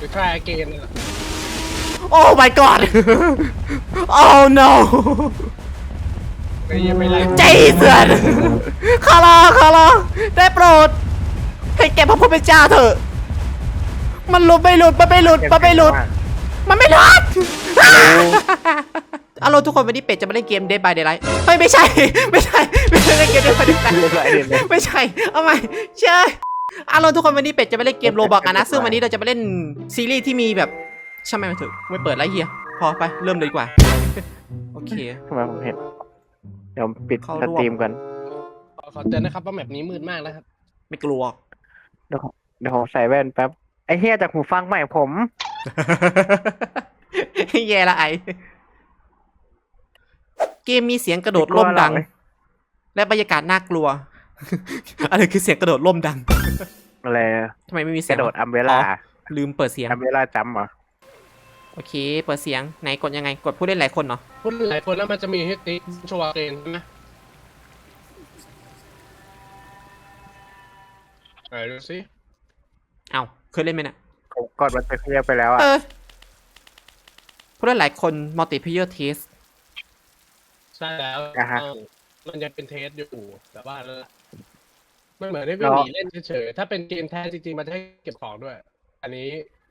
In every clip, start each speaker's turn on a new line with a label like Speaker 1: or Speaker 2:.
Speaker 1: รือ try again นั่นแหละ
Speaker 2: Oh my god Oh no
Speaker 1: ไม่ไล่
Speaker 2: Jesus คาราได้โปรดให้แกพระผู้เป็นเจ้าเถอะมันไม่หลุดอารมณ์ทุกคนวันนี้เป็ดจะมาเล่นเกม Dead by Daylight เฮ้ยไม่ใช่เล่นเกม Dead by Daylight ไม่ใช่เอาใหม่เชื่ออารมณ์ทุกคนวันนี้เป็ดจะมาเล่นเกมโรบอกนะซึ่งวันนี้เราจะมาเล่นซีรีส์ที่มีแบบช่างมันเถอะไม่เปิดไรเฮียพอไปเริ่มเลยดีกว่าโอเค
Speaker 3: ทำไมผมเห็นเดี๋ยวปิด
Speaker 2: เข้า
Speaker 3: ส
Speaker 2: ร่วม
Speaker 3: ตรีมก่อน
Speaker 1: ขอเตือนนะครับว่าแมปนี้มืดมากนะครับ
Speaker 2: ไม่กลัว
Speaker 3: เดี๋ยวผมใส่แว่นแป๊บไอ้เฮียจากหูฟังใหม่ผม
Speaker 2: แย่ละไอเกมมีเสียงกระโดดร่มดัง และบรรยากาศน่ากลัว อะไรคือเสียงกระโดดร่มดัง
Speaker 3: อะไร
Speaker 2: ทำไมไม่มี
Speaker 3: ก
Speaker 2: เสียง
Speaker 3: ระโดดอัมเบล่า
Speaker 2: ลืมเปิดเสียง
Speaker 3: อัมเบล่าจัมป์เหรอ
Speaker 2: โอเค เปิดเสียงไหนกดยังไงกดผู้เล่นหลายคนเนาะ
Speaker 1: พูดหลายคนแล้วมันจะมีให้ติ๊กโชว์เกนใช่ไหมไหนดูสิ
Speaker 2: เอ้าเคยเล่นไหมเนี่ย
Speaker 3: ผมกดมันไปเคลียร์ไปแล้วอ่ะ
Speaker 2: ผู้เล่นหลายคน multiplayer test
Speaker 1: ใช่แล้วมันยังเป็นเทสอยู่แต่ว่ามันเหมือนได้วิ่งหนีเล่นเฉยๆถ้าเป็นเกมแท้จริงๆมันจะให้เก็บของด้วย อันนี้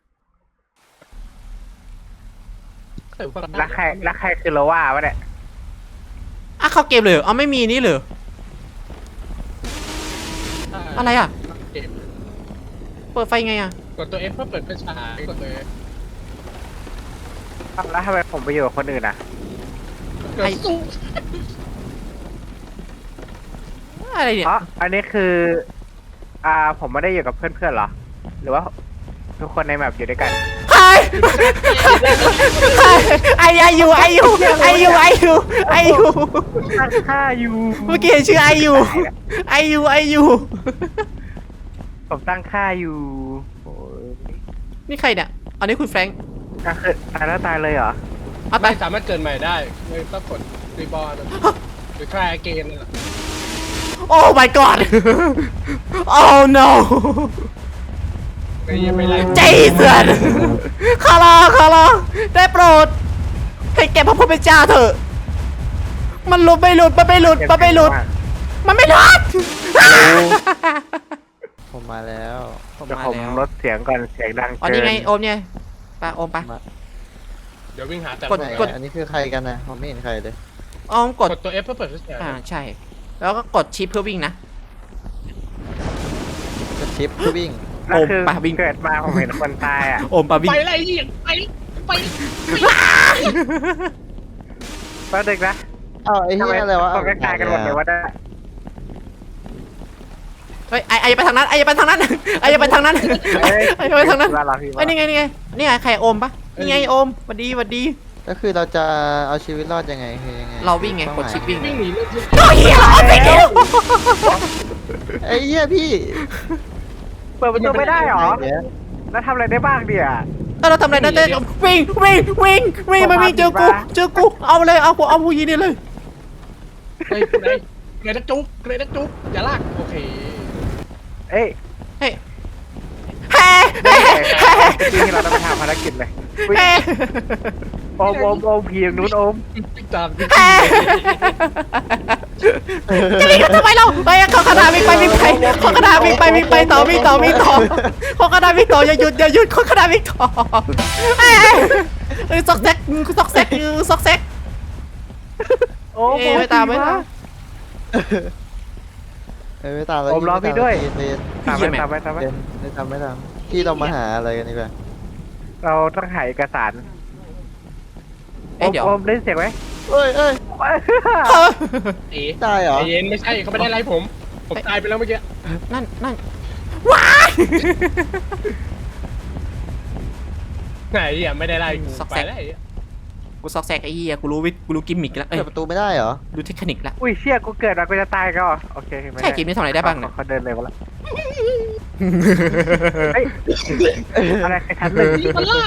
Speaker 3: แล้วใครคือโลว่าวะเนี่ย
Speaker 2: อ่ะเข้าเกมเลยเหรอเอาไม่มีนี่เลยอะไรอ่ะ
Speaker 1: เกม
Speaker 2: เปิดไฟไงอ่ะ
Speaker 1: กดตัว F เพื่อเปิดไฟฉายกดตัว F
Speaker 3: แล้วทำไมผมไปอยู่กับคนอื่นอ่ะ
Speaker 1: กดสู้
Speaker 2: อะไรเนี่ย
Speaker 3: เพราะอันนี้คือ ผมไม่ได้อยู่กับเพื่อนๆเหรอ หรือว่าทุกคนในแมปอยู่ด้วยกัน
Speaker 2: ไอยู
Speaker 3: ตั้งค่าอยู่
Speaker 2: เมื่อกี้เห็นชื่อไอยู
Speaker 3: ผมตั้งค่าอยู่โอ้ย
Speaker 2: นี่ใครเนี่ยอันนี้คุณแฟรงค์
Speaker 3: ก็คือตายแล้วตายเลยเหรอ
Speaker 2: เอาไป
Speaker 1: ไม่สามารถเกิดใหม่ได้ไม่ต้องกดรีบอร์หรือ try again นั่นแหละ
Speaker 2: Oh my god Oh no
Speaker 1: ไม่ไล่
Speaker 2: Jesus คาราได้โปรดให้แกพระผู้เป็นเจ้าเถอะมันไม่หลุด มันไม่หลุด
Speaker 4: ผมมาแล้ว
Speaker 3: เดี๋ยวผมลดเสียงก่อนเสียงดัง
Speaker 2: อ๋อ
Speaker 3: เกิ
Speaker 2: นี่
Speaker 3: น
Speaker 2: ไงโอมเนี่ยไปโอมไป
Speaker 1: เดี๋ยววิ่งหาแต่
Speaker 2: กด
Speaker 1: กด
Speaker 4: อันนี้คือใครกันนะผมไม่เห็นใครเลย
Speaker 2: โอมกด
Speaker 1: ตัว F เพื่อเปิดไฟฉาย
Speaker 2: ใช่ แล้วก็กดชิปเพื่อวิ่งนะ
Speaker 4: จะชิปเพื่อวิ่ง
Speaker 3: แล้วคือ
Speaker 2: โอมปะวิ่ง
Speaker 3: เกิดมาผมเห็นคนตายอ่ะ
Speaker 2: โอมปาวิ่ง
Speaker 1: ไปไล่ยิงไป
Speaker 3: แป๊บนึงนะ
Speaker 4: อ้าวไอ้
Speaker 3: ทำ
Speaker 4: เหี้
Speaker 3: ไม
Speaker 4: ยอะไรวะ
Speaker 3: คนใกล้ๆกันหมดเลยวะเนี่ย
Speaker 2: เฮ้ยไอไปทางนั้นไอไปทางนั้นไอไปทางนั้นไอไปทางนั้น
Speaker 3: ว่าเราพี่
Speaker 2: ไอ้นี่ไงใครโอมปะนี่ไงโอมสวัสดี
Speaker 4: ก็คือเราจะเอาชีวิตรอดยังไงคือยังไง
Speaker 2: เราวิ่งไงกดชิปวิ่ง
Speaker 1: วิ่งหนีเล่น
Speaker 2: โอ้ยเหี้ยโอมไปเร็ว
Speaker 4: ไอ้เหี้ยพี่
Speaker 3: เปิดประตูไม่ได้หรอ
Speaker 4: เดี๋ยว
Speaker 3: แล้วทำอะไรได้บ้างเดี๋ย
Speaker 2: เราทำอะไรได้วิ่งมาวิ่งเจอกูเอาเลยเอาผู้ยิงนี่เลย
Speaker 1: เฮ้ยเกรดจุ๊บอย่าลากโอเค
Speaker 3: เอ้ย
Speaker 2: เฮ้ย
Speaker 3: จริงๆเราต้องไปทำภารกิจเลยโอมผีอย่างนู้นโอม
Speaker 1: ติ๊กตาม
Speaker 2: จะวิ่งกันทำไมเราไปเขากระดาษวิ่งไปเขากระดาษวิ่งไปต่อเขากระดาษวิ่งต่ออย่าหยุดเขากระดาษวิ่งต่อซอกแซก
Speaker 3: โอม
Speaker 2: ไม่ตาม
Speaker 4: ไม่ตามแล้ว
Speaker 3: โอมรอพี่ด้วย
Speaker 4: เรียน
Speaker 3: ตามไป
Speaker 4: ไม่ตามพี่เรามาหาอะไรกันดีกว่า
Speaker 3: เราต้องหาเอกสาร
Speaker 2: เดี๋ยว
Speaker 3: โอมได้เสียงไหม
Speaker 4: เอ้ย
Speaker 1: เอ๋
Speaker 4: ตายเหรอ
Speaker 1: เย็นไม่ใช่เขาไม่ได้ไล่ผมตายไปแล้วเมื่อกี้
Speaker 2: นั่นว้า
Speaker 1: ไหนอ่ะไม่ได้ไล่กูไปแล้ว
Speaker 2: กูซอกแซกไอ้เหี้ยกูรู้กิมมิกแล้ว
Speaker 4: เปิดประตูไม่ได้เหรอ
Speaker 2: รู้เทคนิคแล้ว
Speaker 3: อุ้ยเชี่ยกูเกิดมากูจะตายก็โอเค
Speaker 2: ใช่เกมนี้ทำอะไรได้บ้างเนี่ย
Speaker 3: เขาเดินเร็วแล้วอะไรใครทันเลย
Speaker 1: มันลาก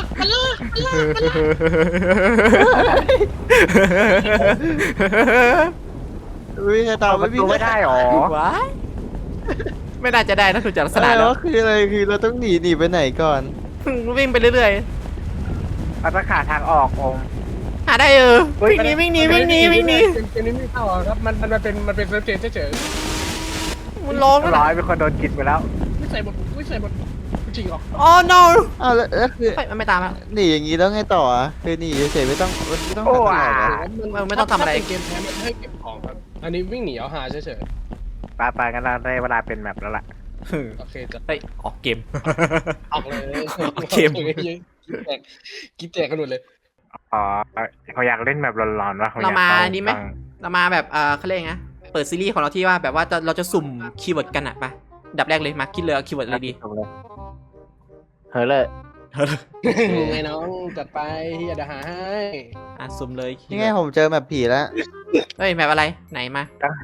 Speaker 4: วิ่งไงตาม
Speaker 3: ประตูไม่ได้หรอ
Speaker 2: ว้ายไม่น่าจะได้นะถูกจากลักษณะ
Speaker 4: อะไร
Speaker 2: แล้ว
Speaker 4: วะคืออะไรคือเราต้องหนีไปไหนก่อน
Speaker 2: วิ่งไปเรื่อย
Speaker 3: เอาตะขาทางออกอม
Speaker 2: ๆหาได้วิ่งหนีวิ่งหนี
Speaker 1: เกมนี้ไม่เข้าอะครับมันเป็นเซิร์ฟเกมเฉย
Speaker 2: มันร้องแล้ว
Speaker 3: ร้
Speaker 2: นะ
Speaker 3: อยเป็นคนโดนกินไปแล้ว
Speaker 1: ๆไม่ใส่หมดจริงเหรอ
Speaker 2: อ๋อ no
Speaker 4: อ้าวแล้วคือ
Speaker 2: เฮ้ยมันไม่ตามแล้ว
Speaker 4: หนีอย่างนี้แล้วไงต่ออ่ะคือหนีเฉยๆไม่ต้องหาที่ไหนเหรอ
Speaker 2: ไม่ต้องทำอะไร
Speaker 1: ถ้าเป็นเกมแท้มันให้เก็บของครับอันนี้วิ่งหนีเอาหาเฉย
Speaker 3: ไปกันเราได้เวลาเป็นแมปแล้วล่ะ
Speaker 1: ๆโอเคจะ
Speaker 2: เฮ้ยออกเกม
Speaker 1: ออกเลย
Speaker 2: เกม
Speaker 1: กิ๊บแตกกันหมดเลย
Speaker 3: อ๋อเขาอยากเล่นแบบร้อนๆวะขอยก
Speaker 2: เรามา
Speaker 3: ฟัง
Speaker 2: อันนี้ไหม เรามาแบบเขาเรียกไงเปิดซีรีส์ของเราที่ว่าแบบว่าเราจะสุ่มคีย์เวิร์ดกันอะไปดับแรกเลยมาคิดเลยคีย์เวิร์ดอะไรดี
Speaker 3: เฮ้ยเลย
Speaker 1: ไงน้องจัดไปอย่าเดี๋ยวหาให้
Speaker 2: สุ่มเลย
Speaker 4: นี่ไงผมเจอแบบผีแล้ว
Speaker 2: เฮ้ยแบบอะไรไหนมา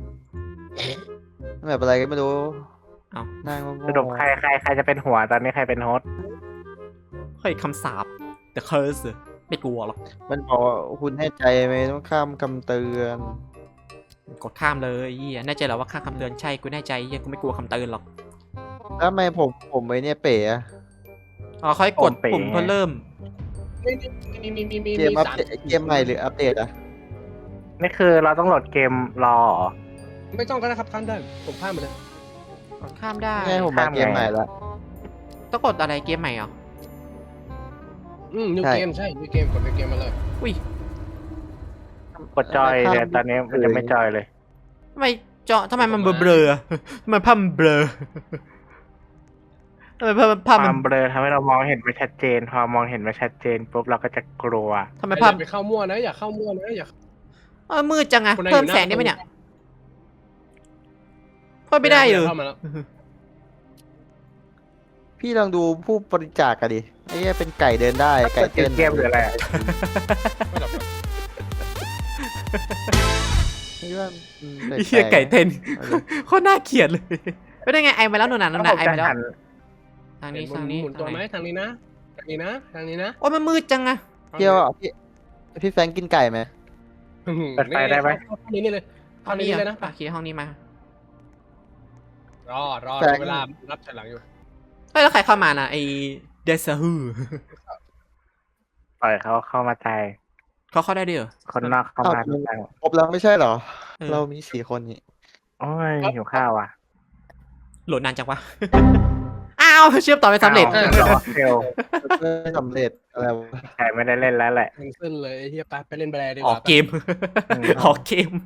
Speaker 4: แบบอะไรก็ไม่รู้
Speaker 2: เอ้า
Speaker 4: นั่ง
Speaker 3: สรุปใครจะเป็นหัวตอนนี้ใครเป็นโฮสต์
Speaker 2: เฮ้ยคำสาป The Curse ไม่กลัวหรอก
Speaker 4: มันบอกว่าคุณแน่ใจไหมต้องข้ามคำเตือน
Speaker 2: กดข้ามเลยเหี้ยแน่ใจเหรอว่าค่าคำเตือนใช่กูแน่ใจเหี้ยกูไม่กลัวคำเตือนหรอก
Speaker 4: แล้วทำไมผมไอ้เนี่ยเป๋อะ
Speaker 2: อ๋อค่อยกดปุ่มเพื่อเริ่ม
Speaker 1: มี
Speaker 4: เกมอัป
Speaker 1: สาม
Speaker 4: เดตเกมใหม่หรืออัปเดตอะ
Speaker 3: นี่คือเราต้องโหลดเกมรอเหรอ
Speaker 1: ไม่ต้องก็ได้ครับข้ามได้ผมข้ามไปเลย
Speaker 2: กดข้ามได้
Speaker 4: นี่ไงผมมาเกมใหม่ละ
Speaker 2: ต้องกดอะไรเกมใหม่เหรอ
Speaker 1: นิว
Speaker 4: ใช่
Speaker 1: เกมใช่นิวเกมกดในเกมมาเลย
Speaker 2: อุ้ย
Speaker 3: กดจอยแต่ตอนนี้มันจะไม่จอยเลย
Speaker 2: ทำไมมันเบลอๆทำไมภาพมันเบลอทำไมภาพ
Speaker 3: ควา
Speaker 2: มัน
Speaker 3: มเบลอทำให้เรามองเห็นไม่ชัดเจน พอมองเห็นไม่ชัดเจนปุ๊บเราก็จะกลัว
Speaker 2: ทำไม
Speaker 1: ไม่
Speaker 2: ภาพ
Speaker 1: ไปเข้ามั่วนะอย่าเข้ามั่วนะอย่า
Speaker 2: มืดจังอะ
Speaker 1: คนใด
Speaker 2: เพิ่ม
Speaker 1: อยู่หน้า
Speaker 2: แสงได้ไหมเนี่ยเพิ่มไม่ได้เหรอ
Speaker 1: เข้ามาแล้ว
Speaker 4: พี่ลองดูผู้บริจาคกันดิไอ้เนี่ยเป็นไก่เดินได้ไก่เต้น
Speaker 3: เกมหรืออะไรอะ
Speaker 1: ไม่หรอกครับ
Speaker 4: ไม่ว่าแปล
Speaker 2: เฮียไก่เต้น
Speaker 4: เอาเลย
Speaker 2: โคตรน่าเกลียดเลยไม่ได้ไงไอมาแล้วหนูนานไอมาแล้ว
Speaker 3: หัน
Speaker 2: ทาง
Speaker 1: เห็
Speaker 2: นี้
Speaker 1: น
Speaker 2: ทางนี้
Speaker 1: หมุนตัวไหมทางนี้นะทางนี้นะทางนี้นะ
Speaker 2: โอ้ยมันมืดจังอะ
Speaker 4: เที่ยวอ่ะพี่แฟรงค์กินไก่ไหม
Speaker 3: เปิดไฟได้ไหม
Speaker 1: เข้านี้นี่เลยเข้านี้เลยนะ
Speaker 2: โอเคห้องนี้มาร
Speaker 1: อเวลารับฉลังอยู่
Speaker 2: เฮ้ยแล้วใครเข้ามานะไอเดซาฮู
Speaker 3: ปล่อยเขาเข้ามาใจ
Speaker 2: เขาเข้าได้ด้วยเหรอ
Speaker 3: คนนอกเข้ามาใจ
Speaker 4: ครบแล้วไม่ใช่เหรอ
Speaker 2: เออ
Speaker 4: เรามี4 คนนี่
Speaker 3: โอ้ยหิวข้าวอ่ะ
Speaker 2: โหลดนานจังวะ อ้าวเชื่อมต่อไม่สำเร็จ
Speaker 3: รอเซล
Speaker 4: ไม่สำเร็จอะไรวะ
Speaker 3: ใครไม่ได้เล่นแล้วแหละ
Speaker 1: แคนเซิลเลยไอ้เฮียไปเล่นแบรดีก
Speaker 2: ออ
Speaker 1: ว่าก
Speaker 2: เกม ออกเกม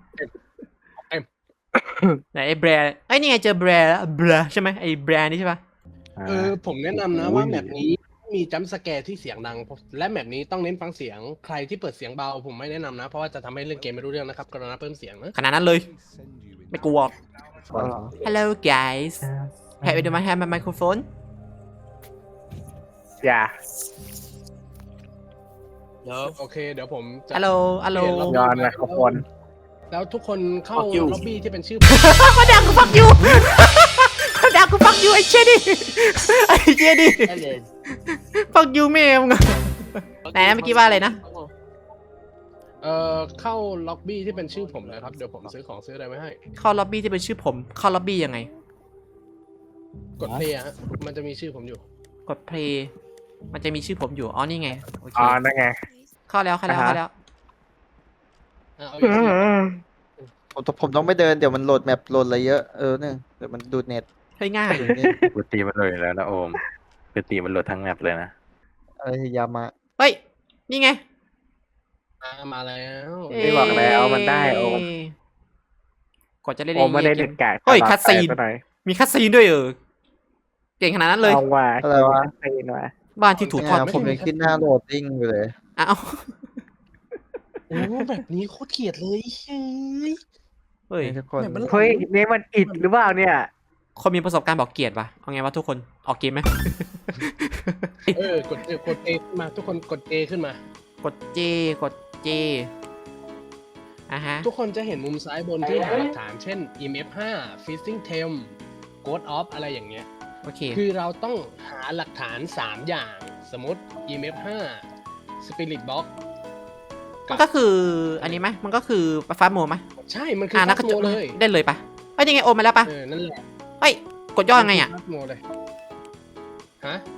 Speaker 2: ไหนไอ้แบรไอ้นี่ไงเจอแบรใช่ไหมไอ้แบรนี่ใช่ปะ
Speaker 1: ผมแนะนำนะว่าแมปนี้มีจัมป์สแกร์ที่เสียงดังและแมปนี้ต้องเน้นฟังเสียงใครที่เปิดเสียงเบาผมไม่แนะนำนะเพราะว่าจะทำให้เล่นเกมไม่รู้เรื่องนะครับกรุณาเพิ่มเสียงนะ
Speaker 2: ขนาดนั้นเลย ไม่กลัว
Speaker 4: อ๋อเหรอ
Speaker 2: Hello guys Have you have my microphone
Speaker 3: อย่า
Speaker 1: โอเคเดี๋ยวผมจะ
Speaker 2: Hello Hello
Speaker 3: ย้อนไมโครโฟน
Speaker 1: แล้วทุกคนเข้าล็อบบี้ที่เป็นชื่อ
Speaker 2: มาดังกูฟักยูมาดังกูฟักยูไอ้เชดี้ไอ้เชดี้ฟักยูแม่มึงไหนนะเมื่อกี้ว่าอะไรนะ
Speaker 1: เข้าล็อบบี้ที่เป็นชื่อผมเลยครับเดี๋ยวผมซื้อของซื้ออะไรไว้ให้
Speaker 2: เข้าล็อบบี้ที่เป็นชื่อผมเข้าล็อบบี้ยังไง
Speaker 1: กดเพลย์ฮะมันจะมีชื่อผมอยู่
Speaker 2: กด play มันจะมีชื่อผมอยู่อ๋อนี่ไงโอเค
Speaker 3: อ๋อนั่นไง
Speaker 2: เข้าแล้วเข้าแล้ว
Speaker 1: เอาอีกที
Speaker 4: ผมต้องไม่เดินเดี๋ยวมันโหลดแมปโหลดอะไรเยอะเนี่ยเดี๋ยวมันดูดเน็ต
Speaker 2: เฮ้ยง่าย
Speaker 4: ดูนี่
Speaker 5: ปกติมันโหลดอยู่แล้วนะโอมปกติมันโหลดทั้งแมปเลยนะ
Speaker 4: อะไรยามะ
Speaker 2: เฮ้ยนี่ไง
Speaker 1: มาแล้ว
Speaker 3: ไม่บอกแล้วมันได้โอม
Speaker 2: กดจะเล่น
Speaker 3: โอมไม่ได้เด็ดกาด
Speaker 2: เฮ้ยคัดซีน
Speaker 3: หน่อย
Speaker 2: มีคัดซีนด้วยเก่งขนาดนั้นเลย
Speaker 3: เอาว่า
Speaker 4: อะไรวะ
Speaker 3: ซีนว่ะ
Speaker 2: บ้านที่ถูกทอด
Speaker 4: ผมยังขึ้นหน้าโหลดดิ้งอยู่เลย
Speaker 2: อ้าว
Speaker 1: โอ้แบบนี้โคตรเกลียดเลยเฮ้ย
Speaker 2: เฮ้ย
Speaker 4: ทุกคน
Speaker 1: แบบมัน
Speaker 3: เฮ้ยนี่มันอิดหรือเปล่าเนี่ย
Speaker 2: คนมีประสบการณ์บอกเกลียดปะเอาไงวะทุกคนออกเกมไหม
Speaker 1: กดเอขึ้นมาทุกคนกดเอขึ้นมา
Speaker 2: กดเจกดเจอ่ะฮะ
Speaker 1: ทุกคนจะเห็นมุมซ้ายบนที่หาหลักฐานเช่น EMF 5 Fishing Tem Ghost Off อะไรอย่างเงี้ย
Speaker 2: โอเค
Speaker 1: คือเราต้องหาหลักฐาน 3 อย่าง สมมติ EMF 5 Spirit Box
Speaker 2: มันก็คืออันนี้ไหมมันก็คือฟ้าโมไหม
Speaker 1: ใช่ มันคือ
Speaker 2: นั
Speaker 1: ฟั
Speaker 2: ก
Speaker 1: ก
Speaker 2: กระจ
Speaker 1: โม
Speaker 2: ก
Speaker 1: เลย
Speaker 2: ได้เลยปะเฮ้ยยังไงโอมมาแล้วปะ
Speaker 1: นั่นแหละ
Speaker 2: เฮ้ยกดย่อยังไงอ่ะ
Speaker 1: ฟักโมเลย ฮะ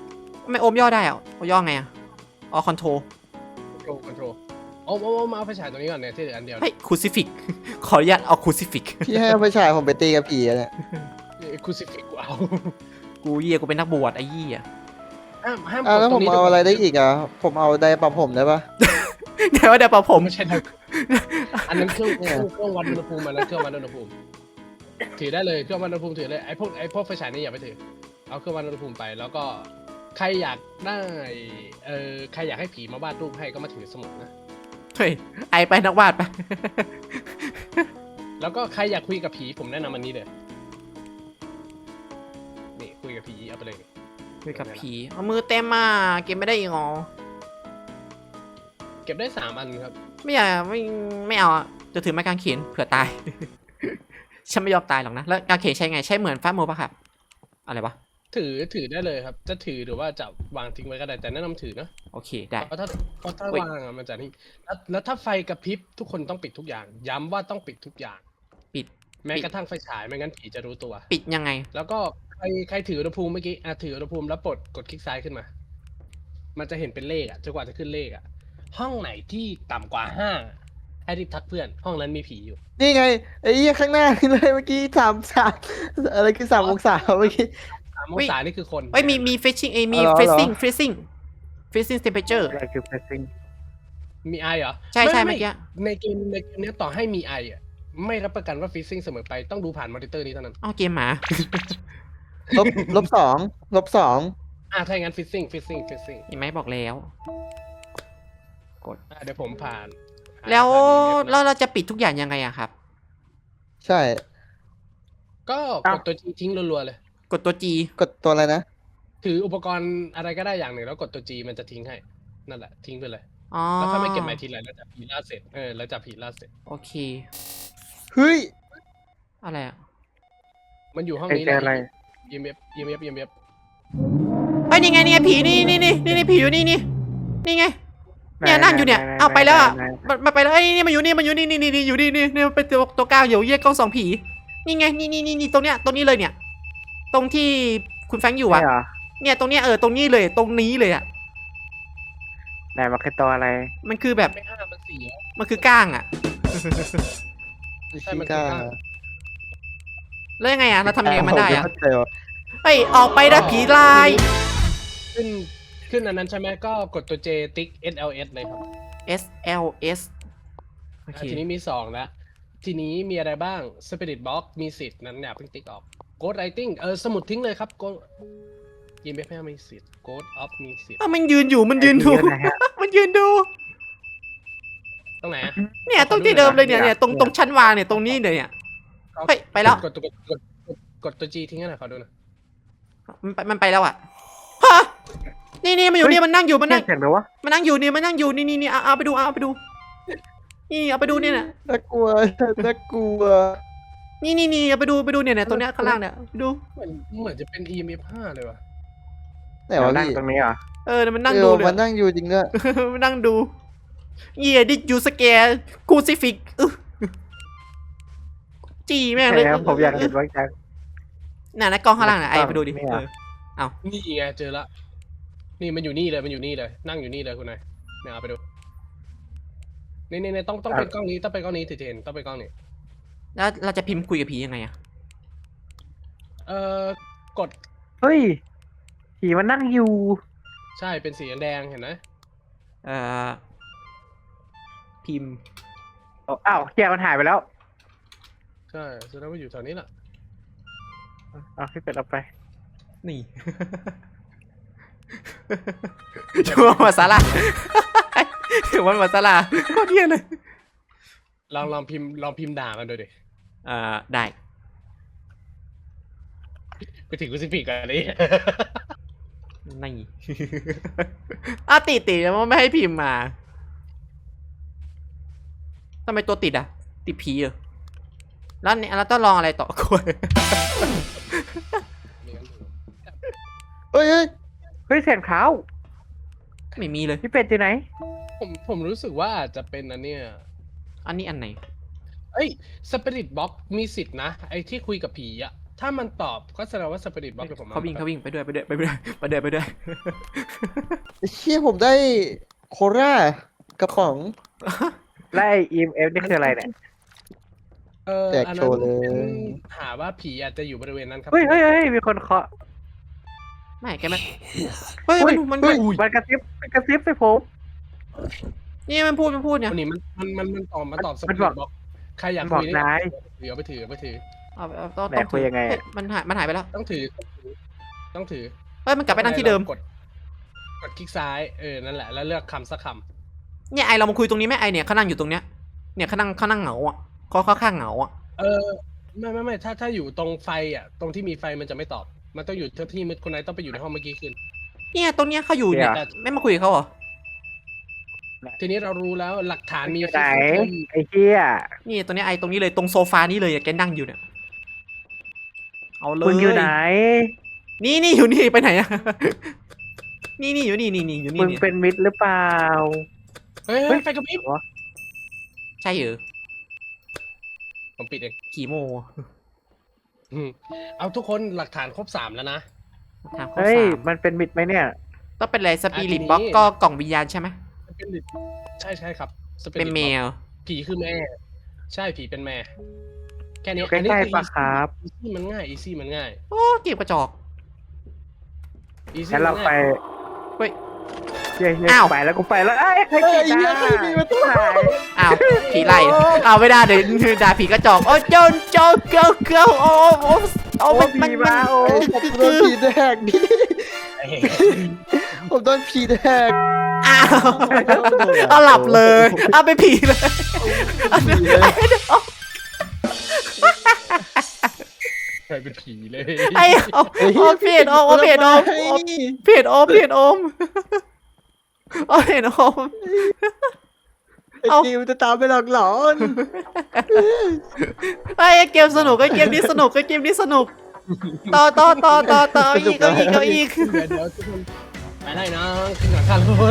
Speaker 2: ไม่โอมย่อได้อะย่อไงอะอ๋อคอนโทร
Speaker 1: คอนโทรโอ้มาเอาไฟฉายตรงนี้ก่อนเนี่ยที่เหลืออันเดียว
Speaker 2: เฮ้ยคูซิฟิกขออนุญาตเอาคูซิฟิก
Speaker 4: พี่ให้เอาไปฉายผมไปตีกับผีอะเนี่ย
Speaker 1: คูซิฟิกกูเอา
Speaker 2: กูเหี้ยกูเป็นนักบวชไอ้เหี้ย
Speaker 1: ห้าม
Speaker 4: แล้วผมเอาอะไรได้อีกอ่ะผมเอาไดร์ปรับผมได้ปะ
Speaker 2: เดี๋ยวเดี๋ยวผม
Speaker 1: ไม่ใช่นะอันนั้นเครื่องวัดอุณหภูมิอันนั้นเครื่องวัดอุณหภูมิถือได้เลยเครื่องวัดอุณหภูมิถือเลยไอ้พวกไฟฉายนี่อย่าไปถือเอาเครื่องวัดอุณหภูมิไปแล้วก็ใครอยากได้ใครอยากให้ผีมาวาดรูปให้ก็มาถือสมุดนะ
Speaker 2: เฮ้ยไอไปนักวาดไป
Speaker 1: แล้วก็ใครอยากคุยกับผีผมแนะนำอันนี้เลยนี่คุยกับผีเอาไปเลย
Speaker 2: คุยกับผีเอามือเต็มมาเก็บไม่ได้อีกเหรอ
Speaker 1: เก็บได้3 อันครับ
Speaker 2: ไม่อยากไม่เอาอะจะถือไม้กางเขนเผื่อตาย ฉันไม่ยอมตายหรอกนะแล้วกางเขนใช้ไงใช้เหมือนฟ้าโมป่ะครับอะไรวะ
Speaker 1: ถือได้เลยครับจะถือหรือว่าจะวางทิ้งไว้ก็ได้แต่แนะนำถือนะ
Speaker 2: โอเคได้
Speaker 1: เพราะถ้าวางอะมันจะนี่แล้วถ้าไฟกระพริบทุกคนต้องปิดทุกอย่าง ย้ำว่าต้องปิดทุกอย่าง
Speaker 2: ปิด
Speaker 1: แม้กระทั่งไฟฉายไม่งั้นผีจะรู้ตัว
Speaker 2: ปิดยังไง
Speaker 1: แล้วก็ใครถืออุณหภูมิเมื่อกี้ถืออุณหภูมิแล้วกดคลิกซ้ายขึ้นมา มันจะเห็นเป็นเลขจนกว่าจะขึ้นเลขห้องไหนที่ต่ำกว่า5ให้รีบทักเพื่อนห้องนั้นมีผีอยู่
Speaker 4: นี่ไงไอ้เหี้ยข้างหน้าเลยเมื่อกี้3 อะไรคือ3 องศาเมื่อกี้
Speaker 1: 3 องศานี่คือคน
Speaker 2: เอ้ยมีเฟชชิ่งมี
Speaker 4: อ๋อเหรอ
Speaker 2: freezing temperature
Speaker 3: อะไรคือ pressing
Speaker 1: มีไอเหรอ
Speaker 2: ใช่เมื่อกี้
Speaker 1: ในเกมเนี้ยต่อให้มีไอไม่รับประกันว่าฟิซซิ่งเสมอไปต้องดูผ่านมอนิเตอร์นี้เท่านั้น
Speaker 2: เอาเกมหมา
Speaker 4: ลบ 2
Speaker 1: ถ้าอย่างนั้นฟิซซิ่ง
Speaker 2: เห็นไหมบอกแล้ว
Speaker 1: เดี๋ยวผมผ่าน
Speaker 2: แล้วเราจะปิดทุกอย่างยังไงอะครับ
Speaker 4: ใช่
Speaker 1: ก็กดตัว G ทิ้งรัวๆเลย
Speaker 2: กดตัว G
Speaker 4: กดตัวอะไรนะ
Speaker 1: ถืออุปกรณ์อะไรก็ได้อย่างหนึ่งแล้วกดตัว G มันจะทิ้งให้นั่นแหละทิ้งไปเลย
Speaker 2: อ๋อ
Speaker 1: แล้วค่อยมาเก็บใหม่ทีหลังแล้วจับผีล่าเสร็จแล้วจับผีล่าเสร็จ
Speaker 2: โอเค
Speaker 4: เฮ้ย
Speaker 2: อะไรอะ
Speaker 1: มันอยู่ห้อง
Speaker 3: ไอ้
Speaker 1: นี้
Speaker 3: เจออะไร
Speaker 1: EMF
Speaker 2: เฮ้ยนี่ไงผีนี่ผีอยู่นี่ไงเนี่ยนั่งอยู่เนี่ยเอาไปแล้วอะมันไปแล้วไอ้นี่มันอยู่นี่อยู่นี่อยู่นี่เป็นตัวก้าวอยู่เยี่ยกล้อง2 ผีนี่ไงนี่ตรงนี้เลยเนี่ย ตรงที่คุณแฟรงค์อยู่อะ
Speaker 3: ใช่เหรอ
Speaker 2: เนี่ยตรงเนี้ยตรงนี้เลยตรงนี้เลยอะ
Speaker 3: ไหนมันคือตัวอะไร
Speaker 2: มันคือแบบ
Speaker 1: ไม่5มัน4แล้ว
Speaker 2: มันคือก้างอะ
Speaker 1: ใช่มันคือก้าง
Speaker 2: แล้วยังไงอะเราทำยังไงมันได้อะ
Speaker 4: เข้าใจว่ะ
Speaker 2: เฮ้ยออกไปนะผีลาย
Speaker 1: ขึ้นอันนั้นใช่ไหมก็กดตัว J ติ๊ก SLS เลยครับ
Speaker 2: SLS โอเค
Speaker 1: ทีนี้มี2แล้วทีนี้มีอะไรบ้าง Spirit Box มีสิทธิ์นั้นอย่าเพิ่งติ๊กออก Ghost Writing สมุดทิ้งเลยครับ EMF ไม่มีสิทธิ์ Ghost Off มีสิทธิ์
Speaker 2: มันยืนอยู่มันยืนดู
Speaker 3: ไอ้เหี้ยนะฮะ
Speaker 2: มันยืนดู
Speaker 1: ตรงไหนอะ
Speaker 2: เนี่ยตรงที่เดิมเลยเนี่ยตรงชั้นวางเนี่ยตรงนี้เลยเนี่ย เฮ้ยไปแล้ว
Speaker 1: กดตัว G ทิ้งให้หน่อยขอดูหน่อย
Speaker 2: มันไปแล้วอ่ะฮะนี่มันอยู่นี่มันนั่งอยู่มันนั่ง
Speaker 3: เสียงหรือวะ
Speaker 2: มันนั่งอยู่นี่เอาไปดูนี่เอาไปดูเนี่ยนะ
Speaker 4: น่ากลัวน่ากลัว
Speaker 2: นี่เอาไปดูเนี่ยตรงเนี้ยข้างล่างเนี่ยดู
Speaker 1: เหมือนจะเป็น EMF 5เลยว่ะ
Speaker 4: ไหนวะ
Speaker 3: นั่ง
Speaker 4: พี่
Speaker 3: ตรงนี้เหรอ
Speaker 2: มันนั่งดูเลย
Speaker 4: มันนั่งอยู่จริงด้วย
Speaker 2: มันนั่งดูดิยูสแกร์คูซิฟิกจีแม่งเลย
Speaker 3: ใช่ครับผมอยากเห็นว่าจะ
Speaker 2: น่ะนะกล้องข้างล่างน่ะไอ้ไปดูดิ
Speaker 3: ไม่เอา
Speaker 1: นี่ไงเจอละ นี่มันอยู่นี่เลยนั่งอยู่นี่เลยคุณนายเนี่ยเอาไปดูนี่ต้องเป็นกล้องนี้ต้องเป็นกล้องนี้ถึงจะเห็นต้องเป็นกล้องนี้
Speaker 2: แล้วเราจะพิมพ์คุยกับผียังไงอะ
Speaker 1: กด
Speaker 3: เฮ้ยผีมันนั่งอยู่
Speaker 1: ใช่เป็นสีแดงเห็นไหม
Speaker 2: พิมพ์
Speaker 3: อ้าวเกียร์มันหายไปแล้ว
Speaker 1: ใช่แสดงว่าอยู่แถวนี้แหละ
Speaker 3: เอาพี่เป็ดเอาไป
Speaker 2: นี่ ชัวร์มาซาลาชัวร์มาซาลาโคตรเยี่ยเลย
Speaker 1: ลองพิมพ์ด่ามันดูดิ
Speaker 2: ได้
Speaker 1: ไปถึงกูสิปิกกันเลย
Speaker 2: นี่ติดแล้วมันไม่ให้พิมพ์มาทำไมตัวติดอ่ะติดผีเหรอแล้วเนี่ยเราต้องลองอะไรต่อคุย
Speaker 4: เฮ้ย
Speaker 3: เฮ้ยเสียงเท้า
Speaker 2: ไม่มีเลย
Speaker 3: พี่เป็ดอยู่ไหน
Speaker 1: ผมรู้สึกว่าอาจจะเป็นอันเนี้ย
Speaker 2: อันนี้อันไหน
Speaker 1: สปิริตบ็อกมีสิทธิ์นะไอ้ที่คุยกับผีอะถ้ามันตอบก็แสดงว่าสปิริตบล็อกกับผม
Speaker 2: เขาวิ่งไปด้วย
Speaker 4: ไอ้เชี่ยผมได้โครากระป๋อง
Speaker 3: และไอ้ EMF นี่คืออะไรเนี่ย
Speaker 4: แจกโชว์เลย
Speaker 1: อันนั้นหาว่าผีอาจจะอยู่บริเวณนั้นครับ
Speaker 3: เฮ้ยมีคนเคาะ
Speaker 2: ไม่แกมันเฮ้ยมัน
Speaker 3: มันกระซิบใส่ผม
Speaker 2: นี่มันพูดเนี่ย
Speaker 1: คนนี้มันตอบส
Speaker 3: มั
Speaker 1: ปิ
Speaker 3: น
Speaker 1: ริ
Speaker 3: บอก
Speaker 1: ตบล็อกใครอยาก
Speaker 3: บอ
Speaker 1: คุ
Speaker 3: ก
Speaker 1: ย
Speaker 3: นาย
Speaker 1: เอาไปถือ
Speaker 2: ต้อง
Speaker 3: ไหนคุยยังไงอะ
Speaker 2: เฮ้มันหายไปแล้ว
Speaker 1: ต้องถือ
Speaker 2: เฮ้ยมันกลับไปนั่งที่เดิม
Speaker 1: กดคลิกซ้ายนั่นแหละแล้วเลือกคำสักค
Speaker 2: เนี่ยไอเรามาคุยตรงนี้ไหมไอเนี่ยเขานั่งอยู่ตรงเนี้ยเนี่ยเขานั่งเหงาอ่ะเขาข้างเหงาอ่ะ
Speaker 1: ำไม่ถ้าอยู่ตรงไฟอ่ะตรงที่มีไฟมันจะไม่ตอบ มันต้องอยู่ที่มืดคนไหนต้องไปอยู่ในห้องเมื่อกี้ขึ้น
Speaker 2: เนี่ยตรงเนี้ยเขาอยู่เนี่ยไม่มาคุยกับเขาเหรอ
Speaker 1: ทีนี้เรารู้แล้วหลักฐานมี
Speaker 3: อยู่ไหนไอ้เหี้ย
Speaker 2: นี่ตรงเนี้ยไอตรงนี้เลยตรงโซฟานี้เลยอะแกนั่งอยู่เนี่ยเอาเลย
Speaker 3: มึงอยู่ไหน
Speaker 2: นี่อยู่นี่ไปไหนอะ นี่อยู่นี่อยู่นี่
Speaker 3: มึงเป็นมิตรหรือเปล่า
Speaker 1: เฮ้ยไฟกระพริบ
Speaker 2: ใช่เหรอ
Speaker 1: ผมปิดเอง
Speaker 2: กี่โม
Speaker 1: เอาทุกคนหลักฐานครบ3แล้วนะ
Speaker 2: ทางข้อ
Speaker 3: เฮ้ย
Speaker 2: สาม
Speaker 3: มันเป็นมิตรไหมเนี่ย
Speaker 2: ต้องเป็นอะไรสปิริต
Speaker 1: ทีนี้
Speaker 2: บล็อกก็กล่องวิญญาณใช่ไหม
Speaker 1: ใช่ครับ Spirit
Speaker 2: เป็นแม
Speaker 1: Box
Speaker 2: ว
Speaker 1: ผีคือแม่ ใช่ผีเป็นแม่ แค่นี้
Speaker 3: ใกล้ๆปะครับ
Speaker 1: อีซี่มันง่ายอีซี่มันง่าย
Speaker 2: โอ้เก็บกระจอก
Speaker 1: อีซี่
Speaker 3: งั้นเราไป
Speaker 2: เฮ้ย
Speaker 3: เย้
Speaker 2: อ้าว
Speaker 3: ไปแล้วกูไปแล้วไอ้ใคร
Speaker 4: เฮ้ย
Speaker 3: กิน
Speaker 4: เหี้ย
Speaker 3: นะ
Speaker 4: ใครมีประตู
Speaker 3: หาย
Speaker 2: อ้าวผีไล่อ้าวไม่ได้เดี๋ยวด่าผีกระจอกโอ้โจนโจเกิลโอ้มัน
Speaker 3: ผีมาโอ้
Speaker 4: ผมโดนผีแดกพี่ผมโดนผีแดก
Speaker 2: อ้าวเอาหลับเลยเอาไปผีเลย
Speaker 1: ใครเป็นผีเลย
Speaker 2: ไอ้เอาเพจโอมเพจโอมเพจโอมเพจโอมเอาเพจโอม
Speaker 4: ไอ้กิวจะตามไปหลอกหลอน
Speaker 2: ไอ้เกมสนุกไอ้เกมนี้สนุกไอ้เกมนี้สนุกต่ออีก
Speaker 1: เดี๋ยวทุกคนไปได้นะขึ้นหลังคารถ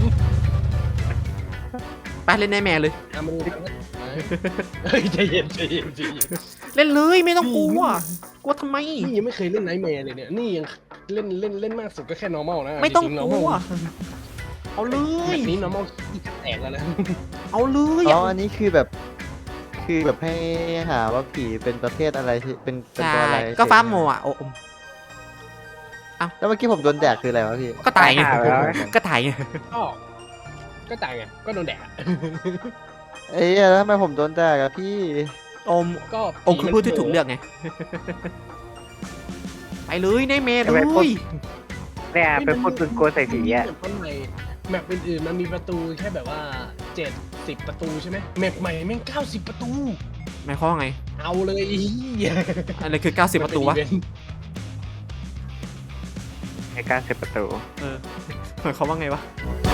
Speaker 2: ไปเล่นในแม่เลย
Speaker 1: เอามาดูกันเฮ้ยใจเย็น
Speaker 2: เล่นเลยไม่ต้องกลัวกลัวทำไม
Speaker 1: นี่ยังไม่เคยเล่นไนท์แมร์เลยเนี่ยนี่ยังเล่นมากสุดก็แค่ normal นะ
Speaker 2: ไม่ต้อง
Speaker 1: จริๆ
Speaker 2: ก
Speaker 1: normal
Speaker 2: ลัวเอาเล
Speaker 1: แบ
Speaker 2: ย
Speaker 1: บนี้ normal ที่จะแตกแล้วนะ
Speaker 2: เอาเลย
Speaker 4: อ๋ออันนี้คือแบบให้หาว่าผีเป็นประเภทอะไรที่เป็น
Speaker 2: ใช่
Speaker 4: ตัวอะไร
Speaker 2: ก็ฟ้าโมอ่ะโอม
Speaker 4: แล้วเมื่อกี้ผมโดนแดกคืออะไรวะพี่
Speaker 2: ก็ตายไง
Speaker 3: หาแล้ว
Speaker 2: ก็ตายไง
Speaker 1: ก็ตายไงก็โดนแดดอะ
Speaker 4: เอ้ยแล้วทำไมผมโดนแดกอะพี่
Speaker 2: โอม
Speaker 1: ก็
Speaker 2: โอมคือผู้ที่ถูกเลือกไงไปเลยในแม่เลย
Speaker 3: เนี่ยเป็นพูดตึงกลัวใส่ผีอ่ะ
Speaker 1: เพราะในแมปอื่นๆมันมีประตูแค่แบบว่า70ประตูใช่ไหมแมปใหม่แม่ง90ประตู
Speaker 2: หมายความว่าไง
Speaker 1: เอาเลยอี
Speaker 2: อะไรคือ90ประตูวะ
Speaker 3: ในการเสร็จประตู
Speaker 2: หมายความว่าไงวะ
Speaker 1: เ